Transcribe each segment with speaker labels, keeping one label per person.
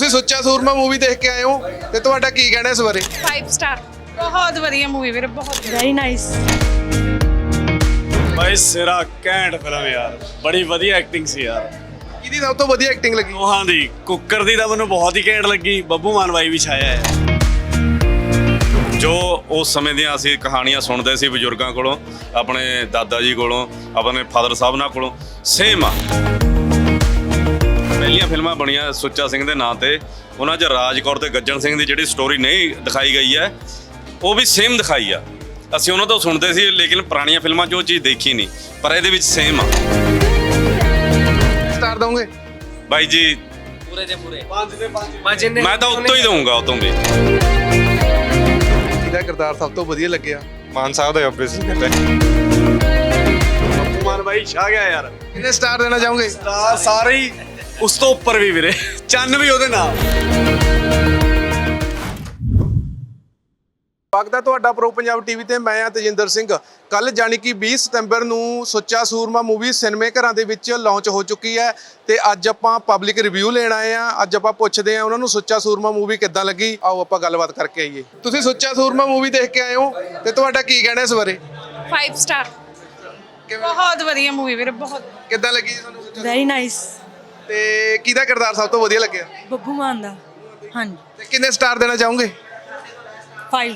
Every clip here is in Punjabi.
Speaker 1: ਸੁੱਚਾ ਸੂਰਮਾ मूवी देख के आए हो ਤੇ ਤੁਹਾਡਾ ਕੀ ਕਹਿਣਾ ਇਸ ਬਾਰੇ
Speaker 2: 5 ਸਟਾਰ ਬਹੁਤ ਵਧੀਆ ਮੂਵੀ ਵੀਰੇ ਬਹੁਤ
Speaker 3: ਵੈਰੀ ਨਾਈਸ
Speaker 4: भाई सिरा कैंट फिल्म यार बड़ी वधिया एक्टिंग सी यार
Speaker 1: ਕਿਹਦੀ ਸਭ ਤੋਂ ਵਧੀਆ ਐਕਟਿੰਗ ਲੱਗੀ
Speaker 4: ਦੋਹਾਂ ਦੀ ਕੁੱਕਰ ਦੀ ਤਾਂ ਮੈਨੂੰ ਬਹੁਤ ਹੀ ਘੈਂਟ ਲੱਗੀ ਬੱਬੂ ਮਾਨ ਬਾਈ ਵੀ ਛਾਇਆ ਹੈ ਜੋ ਉਸ ਸਮੇਂ ਦੀਆਂ ਅਸੀਂ ਕਹਾਣੀਆਂ ਸੁਣਦੇ ਸੀ ਬਜ਼ੁਰਗਾਂ ਕੋਲੋਂ ਆਪਣੇ ਦਾਦਾ ਜੀ ਕੋਲੋਂ ਆਪਣੇ ਫਾਦਰ ਸਾਹਿਬ ਨਾਲ ਕੋਲੋਂ ਸੇਮ ਆ ਪਹਿਲੀਆਂ ਫਿਲਮਾਂ ਬਣੀਆਂ ਸੁੱਚਾ ਸਿੰਘ ਦੇ ਨਾਂ ਤੇ ਉਹਨਾਂ 'ਚ ਰਾਜ ਕੌਰ ਤੇ ਗੱਜਣ ਸਿੰਘ ਦੀ ਜਿਹੜੀ ਸਟੋਰੀ ਨਹੀਂ ਦਿਖਾਈ ਗਈ ਹੈ ਉਹ ਵੀ ਸੇਮ ਦਿਖਾਈ ਆ ਅਸੀਂ ਉਹਨਾਂ ਤੋਂ ਸੁਣਦੇ ਸੀ ਲੇਕਿਨ ਪੁਰਾਣੀਆਂ ਫਿਲਮਾਂ 'ਚ ਉਹ ਚੀਜ਼ ਦੇਖੀ ਨਹੀਂ ਪਰ ਇਹਦੇ ਵਿੱਚ ਸੇਮ ਆ
Speaker 1: ਸਟਾਰ ਦੋਗੇ
Speaker 4: ਬਾਈ ਜੀ
Speaker 5: ਪੂਰੇ ਦੇ ਪੂਰੇ 5 ਦੇ 5
Speaker 4: ਮੈਂ ਤਾਂ ਉੱਤੋਂ ਹੀ ਦਊਂਗਾ ਉਤੋਂ ਵੀ
Speaker 1: ਕਿਹਦਾ ਕਿਰਦਾਰ ਸਭ ਤੋਂ ਵਧੀਆ ਲੱਗਿਆ
Speaker 6: ਮਾਨ ਸਾਹਿਬ ਦਾ ਆਬਵੀਅਸਲੀ ਕਹਿੰਦੇ
Speaker 4: ਬੱਬੂ ਮਾਨ ਬਾਈ ਛਾ ਗਿਆ ਯਾਰ
Speaker 1: ਕਿੰਨੇ ਸਟਾਰ ਦੇਣਾ ਚਾਹੋਗੇ
Speaker 4: ਸਾਰੇ ਹੀ ਉਸ ਤੋਂ ਉੱਪਰ ਵੀ ਵੀਰੇ ਚੰਨ ਵੀ ਉਹਦੇ ਨਾਲ
Speaker 1: ਸਵਾਗਤ ਹੈ ਤੁਹਾਡਾ ਪ੍ਰੋ ਪੰਜਾਬ ਟੀਵੀ ਤੇ ਮੈਂ ਹਾਂ ਤੇਜਿੰਦਰ ਸਿੰਘ ਕੱਲ ਜਾਨੀ ਕਿ 20 ਸਤੰਬਰ ਨੂੰ ਸੁੱਚਾ ਸੂਰਮਾ ਮੂਵੀ ਸਿਨੇਮੇ ਘਰਾਂ ਦੇ ਵਿੱਚ ਲਾਂਚ ਹੋ ਚੁੱਕੀ ਹੈ ਤੇ ਅੱਜ ਆਪਾਂ ਪਬਲਿਕ ਰਿਵਿਊ ਲੈਣ ਆਏ ਆ ਅੱਜ ਆਪਾਂ ਪੁੱਛਦੇ ਆ ਉਹਨਾਂ ਨੂੰ ਸੁੱਚਾ ਸੂਰਮਾ ਮੂਵੀ ਕਿੱਦਾਂ ਲੱਗੀ ਆਓ ਆਪਾਂ ਗੱਲਬਾਤ ਕਰਕੇ ਆਈਏ ਤੁਸੀਂ ਸੁੱਚਾ ਸੂਰਮਾ ਮੂਵੀ ਦੇਖ ਕੇ ਆਏ ਹੋ ਤੇ ਤੁਹਾਡਾ ਕੀ ਕਹਿਣਾ ਇਸ ਬਾਰੇ
Speaker 2: 5 ਸਟਾਰ ਬਹੁਤ ਵਧੀਆ ਮੂਵੀ ਵੀਰੇ ਬਹੁਤ
Speaker 1: ਕਿੱਦਾਂ ਲੱਗੀ ਜੀ ਤੁਹਾਨੂੰ ਸੁੱਚਾ
Speaker 3: ਵੈਰੀ ਨਾਈਸ
Speaker 1: ਤੇ ਕਿਹਦਾ ਕਿਰਦਾਰ ਸਭ ਤੋਂ ਵਧੀਆ ਲੱਗਿਆ
Speaker 3: ਬੱਬੂ ਮਾਨ ਦਾ ਹਾਂਜੀ
Speaker 1: ਤੇ ਕਿੰਨੇ ਸਟਾਰ ਦੇਣਾ ਚਾਹੋਗੇ
Speaker 3: 5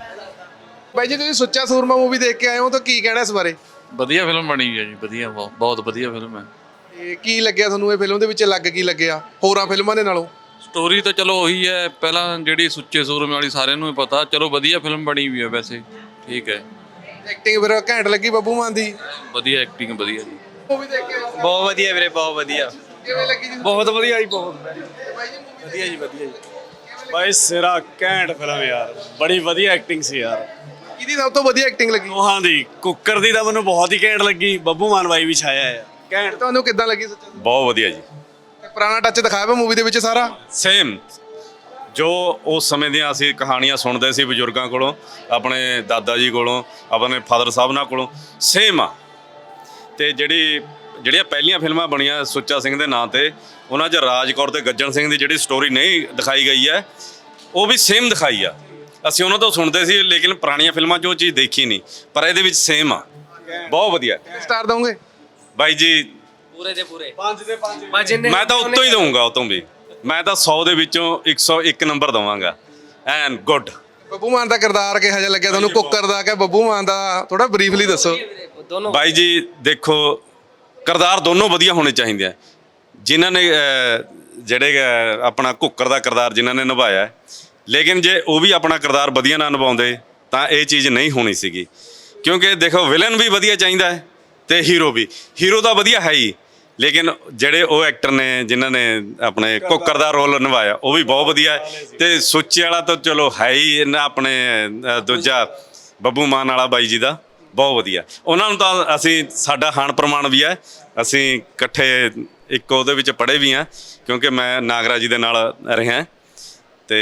Speaker 1: ਬਾਈ ਜੀ ਤੁਸੀਂ ਸੁੱਚਾ ਸੂਰਮਾ ਮੂਵੀ ਦੇਖ ਕੇ ਆਏ ਹੋ ਤਾਂ ਕੀ ਕਹਿਣਾ ਇਸ ਬਾਰੇ
Speaker 7: ਵਧੀਆ ਫਿਲਮ ਬਣੀ ਹੋਈ ਹੈ ਜੀ ਵਧੀਆ ਬਹੁਤ ਵਧੀਆ ਫਿਲਮ ਹੈ
Speaker 1: ਤੇ ਕੀ ਲੱਗਿਆ ਤੁਹਾਨੂੰ ਇਹ ਫਿਲਮ ਦੇ ਵਿੱਚ ਲੱਗ ਕੀ ਲੱਗਿਆ ਹੋਰਾਂ ਫਿਲਮਾਂ ਦੇ ਨਾਲੋਂ
Speaker 7: ਸਟੋਰੀ ਤਾਂ ਚਲੋ ਉਹੀ ਹੈ ਪਹਿਲਾਂ ਜਿਹੜੀ ਸੁੱਚੇ ਸੂਰਮੇ ਵਾਲੀ ਸਾਰਿਆਂ ਨੂੰ ਹੀ ਪਤਾ ਚਲੋ ਵਧੀਆ ਫਿਲਮ ਬਣੀ ਹੋਈ ਹੈ ਵੈਸੇ ਠੀਕ ਹੈ
Speaker 1: ਐਕਟਿੰਗ ਫਿਰ ਘੈਂਟ ਲੱਗੀ ਬੱਬੂ ਮਾਨ ਦੀ
Speaker 7: ਵਧੀਆ ਐਕਟਿੰਗ ਵਧੀਆ ਜੀ
Speaker 1: ਮੂਵੀ ਦੇਖ ਕੇ
Speaker 5: ਬਹੁਤ ਵਧੀਆ ਵੀਰੇ ਬਹੁਤ ਵਧੀਆ
Speaker 1: ਕਿਵੇਂ ਲੱਗੀ ਜੀ
Speaker 4: ਬਹੁਤ ਵਧੀਆ ਜੀ ਬਹੁਤ ਵਧੀਆ ਜੀ ਵਧੀਆ ਜੀ ਬਾਈ ਸਿਰਾ ਘੈਂਟ ਫਿਲਮ ਯਾਰ ਬੜੀ ਵਧੀਆ ਐਕਟਿੰਗ ਸੀ ਯਾਰ
Speaker 1: ਕਿਹਦੀ ਸਭ ਤੋਂ ਵਧੀਆ ਐਕਟਿੰਗ ਲੱਗੀ
Speaker 4: ਦੋਹਾਂ ਦੀ ਕੁੱਕਰ ਦੀ ਤਾਂ ਮੈਨੂੰ ਬਹੁਤ ਹੀ ਘੈਂਟ ਲੱਗੀ ਬੱਬੂ ਮਾਨ ਬਾਈ ਵੀ ਛਾਇਆ ਹੈ ਘੈਂਟ
Speaker 1: ਤੁਹਾਨੂੰ ਕਿੱਦਾਂ ਲੱਗੀ ਸੁੱਚਾ ਸੂਰਮਾ
Speaker 4: ਬਹੁਤ ਵਧੀਆ ਜੀ
Speaker 1: ਤੇ ਪੁਰਾਣਾ ਟੱਚ ਦਿਖਾਇਆ ਵਾ ਮੂਵੀ ਦੇ ਵਿੱਚ ਸਾਰਾ
Speaker 4: ਸੇਮ ਜੋ ਉਸ ਸਮੇਂ ਦੀਆਂ ਅਸੀਂ ਕਹਾਣੀਆਂ ਸੁਣਦੇ ਸੀ ਬਜ਼ੁਰਗਾਂ ਕੋਲੋਂ ਆਪਣੇ ਦਾਦਾ ਜੀ ਕੋਲੋਂ ਆਪਣੇ ਫਾਦਰ ਸਾਹਿਬ ਨਾਲ ਕੋਲੋਂ ਸੇਮ ਆ ਤੇ ਜਿਹੜੀਆਂ ਪਹਿਲੀਆਂ ਫਿਲਮਾਂ ਬਣੀਆਂ ਸੁੱਚਾ ਸਿੰਘ ਦੇ ਨਾਂ ਤੇ ਉਹਨਾਂ 'ਚ ਰਾਜ ਕੌਰ ਤੇ ਗੱਜਣ ਸਿੰਘ ਦੀ ਜਿਹੜੀ ਸਟੋਰੀ ਨਹੀਂ ਦਿਖਾਈ ਗਈ ਹੈ ਉਹ ਵੀ ਸੇਮ ਦਿਖਾਈ ਆ ਅਸੀਂ ਉਹਨਾਂ ਤੋਂ ਸੁਣਦੇ ਸੀ ਲੇਕਿਨ ਪੁਰਾਣੀਆਂ ਫਿਲਮਾਂ 'ਚ ਉਹ ਚੀਜ਼ ਦੇਖੀ ਨਹੀਂ ਪਰ ਇਹਦੇ ਵਿੱਚ ਸੇਮ ਆ ਬਹੁਤ ਵਧੀਆ
Speaker 1: ਸਟਾਰ ਦੋਗੇ
Speaker 4: ਬਾਈ ਜੀ
Speaker 5: ਪੂਰੇ ਦੇ ਪੂਰੇ 5 ਦੇ 5
Speaker 4: ਮੈਂ ਤਾਂ ਉੱਤੋਂ ਹੀ ਦਊਂਗਾ ਉਤੋਂ ਵੀ ਮੈਂ ਤਾਂ 100 ਦੇ ਵਿੱਚੋਂ 101 ਨੰਬਰ ਦਵਾਂਗਾ ਐਨ ਗੁੱਡ
Speaker 1: ਬੱਬੂ ਮਾਨ ਦਾ ਕਿਰਦਾਰ ਕਿਹੋ ਜਿਹਾ ਲੱਗਿਆ ਤੁਹਾਨੂੰ ਕੁੱਕਰ ਦਾ ਕਿ ਬੱਬੂ ਮਾਨ ਦਾ ਥੋੜਾ ਬਰੀਫਲੀ ਦੱਸੋ
Speaker 5: ਦੋਨੋਂ
Speaker 4: ਬਾਈ ਜੀ ਦੇਖੋ ਕਿਰਦਾਰ ਦੋਨੋਂ ਵਧੀਆ ਹੋਣੇ ਚਾਹੀਦੇ ਆ ਜਿਨ੍ਹਾਂ ਨੇ ਜਿਹੜੇ ਆਪਣਾ ਕੁੱਕਰ ਦਾ ਕਿਰਦਾਰ ਜਿਨ੍ਹਾਂ ਨੇ ਨਿਭਾਇਆ ਲੇਕਿਨ ਜੇ ਉਹ ਵੀ ਆਪਣਾ ਕਿਰਦਾਰ ਵਧੀਆ ਨਾ ਨਿਭਾਉਂਦੇ ਤਾਂ ਇਹ ਚੀਜ਼ ਨਹੀਂ ਹੋਣੀ ਸੀਗੀ ਕਿਉਂਕਿ ਦੇਖੋ ਵਿਲਨ ਵੀ ਵਧੀਆ ਚਾਹੀਦਾ ਹੈ ਤੇ ਹੀਰੋ ਤਾਂ ਵਧੀਆ ਹੈ ਹੀ ਲੇਕਿਨ ਜਿਹੜੇ ਉਹ ਐਕਟਰ ਨੇ ਜਿਨ੍ਹਾਂ ਨੇ ਆਪਣੇ ਕੁੱਕਰ ਦਾ ਰੋਲ ਨਿਭਾਇਆ ਉਹ ਵੀ ਬਹੁਤ ਵਧੀਆ ਤੇ ਸੁੱਚੇ ਵਾਲਾ ਤਾਂ ਚਲੋ ਹੈ ਹੀ ਇਹਨਾਂ ਆਪਣੇ ਦੂਜਾ ਬੱਬੂ ਮਾਨ ਵਾਲਾ ਬਾਈ ਜੀ ਦਾ ਬਹੁਤ ਵਧੀਆ ਉਹਨਾਂ ਨੂੰ ਤਾਂ ਅਸੀਂ ਸਾਡਾ ਹਾਣ ਪ੍ਰਮਾਣ ਵੀ ਹੈ ਅਸੀਂ ਇਕੱਠੇ ਇੱਕ ਉਹਦੇ ਵਿੱਚ ਪੜ੍ਹੇ ਵੀ ਹਾਂ ਕਿਉਂਕਿ ਮੈਂ ਨਾਗਰਾ ਜੀ ਦੇ ਨਾਲ ਰਿਹਾ ਤੇ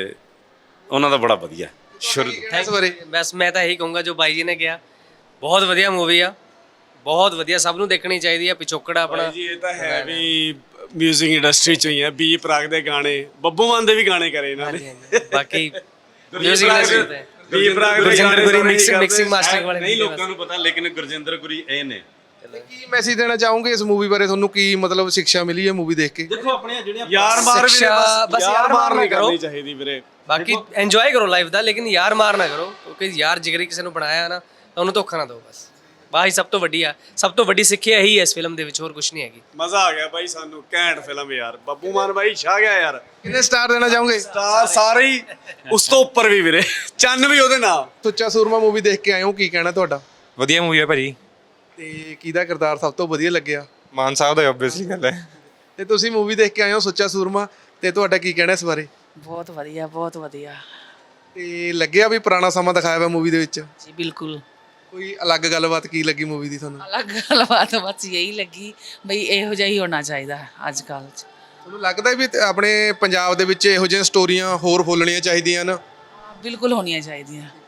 Speaker 4: ਉਹਨਾਂ ਦਾ ਬੜਾ ਵਧੀਆ
Speaker 1: ਇਸ ਬਾਰੇ
Speaker 5: ਬਸ ਮੈਂ ਤਾਂ ਇਹੀ ਕਹੂੰਗਾ ਜੋ ਬਾਈ ਜੀ ਨੇ ਕਿਹਾ ਬਹੁਤ ਵਧੀਆ ਮੂਵੀ ਆ ਬਹੁਤ ਵਧੀਆ ਸਭ ਨੂੰ ਦੇਖਣੀ ਚਾਹੀਦੀ ਆ ਪਿਛੋਕੜਾ ਆਪਣਾ
Speaker 4: ਜੀ ਇਹ ਤਾਂ ਹੈ ਵੀ ਮਿਊਜ਼ਿਕ ਇੰਡਸਟਰੀ ਚੋਂ ਹੀ ਹੈ ਬੀ ਪ੍ਰਾਗ ਦੇ ਗਾਣੇ ਬੱਬੂ ਮਾਨ ਦੇ ਵੀ ਗਾਣੇ ਕਰੇ ਇਹਨਾਂ ਨੇ
Speaker 5: ਬਾਕੀ ਮਿਊਜ਼ਿਕ ਇੰਡਸਟਰੀ ਤੇ
Speaker 4: ਬੀ ਪ੍ਰਾਗ ਦੇ
Speaker 5: ਗੁਰਜਿੰਦਰ ਗੁਰੀ ਮਿਕਸਿੰਗ ਮਾਸਟਰਿੰਗ ਵਾਲੇ
Speaker 4: ਨਹੀਂ ਲੋਕਾਂ ਨੂੰ ਪਤਾ ਲੇਕਿਨ ਗੁਰਜਿੰਦਰ ਗੁਰੀ ਇਹ ਨੇ
Speaker 1: ਕੀ ਮੈਸੇਜ ਦੇਣਾ ਚਾਹੋਗੇ ਇਸ ਮੂਵੀ ਬਾਰੇ ਤੁਹਾਨੂੰ ਕੀ ਮਤਲਬ ਸਿੱਖਿਆ ਮਿਲੀ ਹੈ ਮੂਵੀ ਦੇਖ ਕੇ
Speaker 4: ਦੇਖੋ ਆਪਣੀਆਂ ਜਿਹੜੀਆਂ ਯਾਰ ਮਾਰ ਵੀ
Speaker 5: ਬਸ ਯਾਰ ਮਾਰ ਨਾ ਕਰੋ
Speaker 4: ਕਰਨੀ ਚਾਹੀਦੀ ਵੀਰੇ
Speaker 5: ਬਾਕੀ ਇੰਜੋਏ ਕਰੋ ਲਾਈਫ ਦਾ ਲੇਕਿਨ ਯਾਰ ਮਾਰ ਨਾ ਕਰੋ ਕਿਉਂਕਿ ਯਾਰ ਜਿਗਰੀ ਕਿਸੇ ਨੂੰ ਬਣਾਇਆ ਨਾ ਤਾਂ ਉਹਨੂੰ ਧੋਖਾ ਨਾ ਦਿਓ ਬਸ ਬਾਈ ਸਭ ਤੋਂ ਵੱਡੀ ਸਿੱਖਿਆ ਇਹੀ ਹੈ ਇਸ ਫਿਲਮ ਦੇ ਵਿੱਚ ਹੋਰ ਕੁਝ ਨਹੀਂ ਹੈਗੀ
Speaker 4: ਮਜ਼ਾ ਆ ਗਿਆ ਬਾਈ ਸਾਨੂੰ ਘੈਂਟ ਫਿਲਮ ਯਾਰ ਬੱਬੂ ਮਾਨ ਬਾਈ ਛਾ ਗਿਆ ਯਾਰ
Speaker 1: ਕਿੰਨੇ ਸਟਾਰ ਦੇਣਾ ਚਾਹੋਗੇ
Speaker 4: ਸਟਾਰ ਸਾਰੇ ਹੀ ਉਸ ਤੋਂ ਉੱਪਰ ਵੀ ਵੀਰੇ ਚੰਨ ਵੀ ਉਹਦੇ ਨਾਲ
Speaker 1: ਸੁੱਚਾ ਸੂਰਮਾ ਮੂਵੀ ਦੇਖ ਕੇ ਆਏ ਹੋ ਕੀ ਕਹਿਣਾ ਤੁਹਾਡਾ
Speaker 6: ਵਧੀਆ ਮੂਵੀ ਹੈ ਭਾਜੀ
Speaker 1: ਤੇ ਕਿਹਦਾ ਕਿਰਦਾਰ ਸਭ ਤੋਂ ਵਧੀਆ ਲੱਗਿਆ
Speaker 6: ਮਾਨ ਸਾਹਿਬ ਦਾ ਆਬਵੀਅਸਲੀ ਗੱਲ ਹੈ
Speaker 1: ਤੇ ਤੁਸੀਂ ਮੂਵੀ ਦੇਖ ਕੇ ਆਏ ਹੋ ਸੁੱਚਾ ਸੂਰਮਾ ਤੇ ਤੁਹਾਡਾ ਕੀ ਕਹਿਣਾ ਇਸ ਬਾਰੇ
Speaker 3: ਬਹੁਤ ਵਧੀਆ
Speaker 1: ਤੇ ਲੱਗਿਆ ਵੀ ਪੁਰਾਣਾ ਸਮਾਂ ਦਿਖਾਇਆ ਹੋਇਆ ਮੂਵੀ ਦੇ ਵਿੱਚ
Speaker 3: ਜੀ ਬਿਲਕੁਲ
Speaker 1: ਕੋਈ ਅਲੱਗ ਗੱਲਬਾਤ ਕੀ ਲੱਗੀ ਮੂਵੀ ਦੀ ਤੁਹਾਨੂੰ
Speaker 3: ਅਲੱਗ ਗੱਲਬਾਤ ਬਸ ਯਹੀ ਲੱਗੀ ਬਈ ਇਹੋ ਜਿਹਾ ਹੀ ਹੋਣਾ ਚਾਹੀਦਾ ਅੱਜ ਕੱਲ੍ਹ 'ਚ
Speaker 1: ਤੁਹਾਨੂੰ ਲੱਗਦਾ ਵੀ ਆਪਣੇ ਪੰਜਾਬ ਦੇ ਵਿੱਚ ਇਹੋ ਜਿਹੀਆਂ ਸਟੋਰੀਆਂ ਹੋਰ ਫੋਲਣੀਆਂ ਚਾਹੀਦੀਆਂ ਨੇ
Speaker 3: ਬਿਲਕੁਲ ਹੋਣੀਆਂ ਚਾਹੀਦੀਆਂ